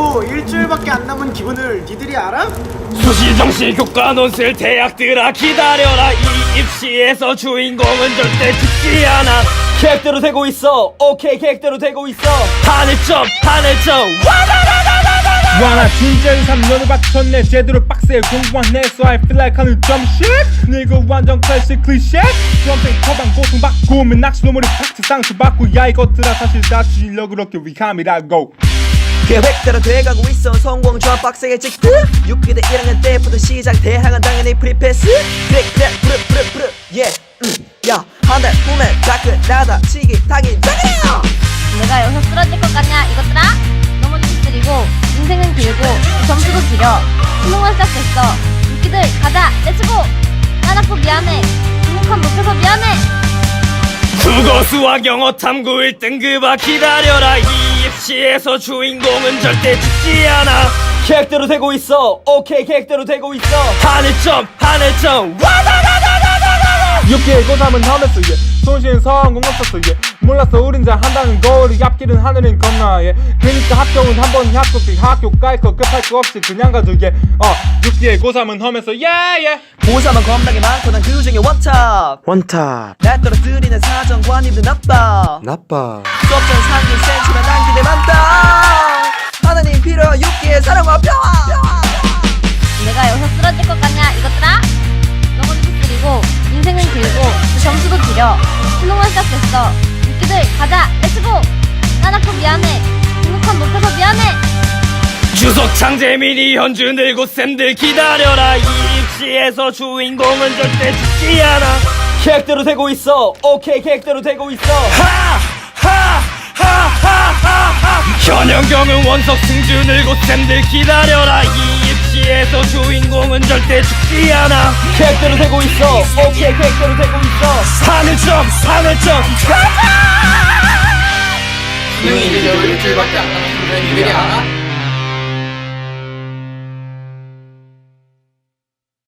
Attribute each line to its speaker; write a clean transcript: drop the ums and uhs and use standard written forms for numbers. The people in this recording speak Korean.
Speaker 1: 그리고 일주일밖에 안 남은 기분을 니들이 알아?
Speaker 2: 수시정시 교과 논술 대학들아 기다려라. 이 입시에서 주인공은 절대 죽지 않아. 계획대로 되고 있어. 오케이 계획대로 되고 있어. 하늘점
Speaker 3: 와나 진짜 3년을 바쳤네. 제대로 빡세 공부한 So I feel like 하는 점 shit. 이거 완전 클래식 클리셰. 수험생 처방 고통받고 맨 낚시 노머리 팍트 상처받고 야 이것들아 사실 다 주인력 그렇게 위함이라고.
Speaker 4: 계획대로 돼가고 있어. 성공 조합 빡세게 찍듯 6기대 1학년 때부터 시작. 대학은 당연히 프리패스. 프르 yeah. 야 한 달 후면 다 끝나다 치기 타긴 장이야.
Speaker 5: 내가 여기서 쓰러질 것 같냐 이것들아? 너무 찌질이고 인생은 길고 점수도 길어. 수능은 시작됐어. 웃기들 가자 렛츠고. 나나포 미안해. 등록한 못해서 미안해.
Speaker 2: 국어 수학 영어 탐구 1등급아 기다려라. 이 입시에서 주인공은 절대 죽지 않아. 계획대로 되고 있어. 오케이 계획대로 되고 있어. 하늘점
Speaker 3: 6기의 고3은 하면서 손쉬운 성공 없었어 몰랐어 우린 잘 한다는 거. 우리 앞길은 하늘은 건너 그니까 합격은 한 번 합격돼. 학교 깔거 급할 거 없이 그냥 가도 6기의 고3은 하면서
Speaker 4: 고3은 겁나게 많고 난 그 중에 원탑 날 떨어뜨리는 사정관님들 나빠 수업전 상긴 센치만 난 기대 많다. 하나님 필요 6기의 사랑과 평화.
Speaker 5: 내가 여기서 쓰러질 것 같냐 이것들아? 너무 찌질이고 인생은 길고 점수도 길어. 수능은 시작됐어. 웃기들 가자 렛츠고. 나나포 미안해. 등록한 못해서 미안해.
Speaker 2: 주석 창재민이 현주 늙고 쌤들 기다려라. 이 입시에서 주인공은 절대 죽지 않아. 계획대로 되고 있어. 오케이 계획대로 되고 있어. 현영경은 원석 승주 늙고 쌤들 기다려라. 이 입시에서 주인공은 절대 죽지 않아. 계획대로 되고 있어. 오케이 계획대로 되고 있어. 하늘점
Speaker 6: 수능이 이제 일주일밖에 안 남았는데 니들이 알아?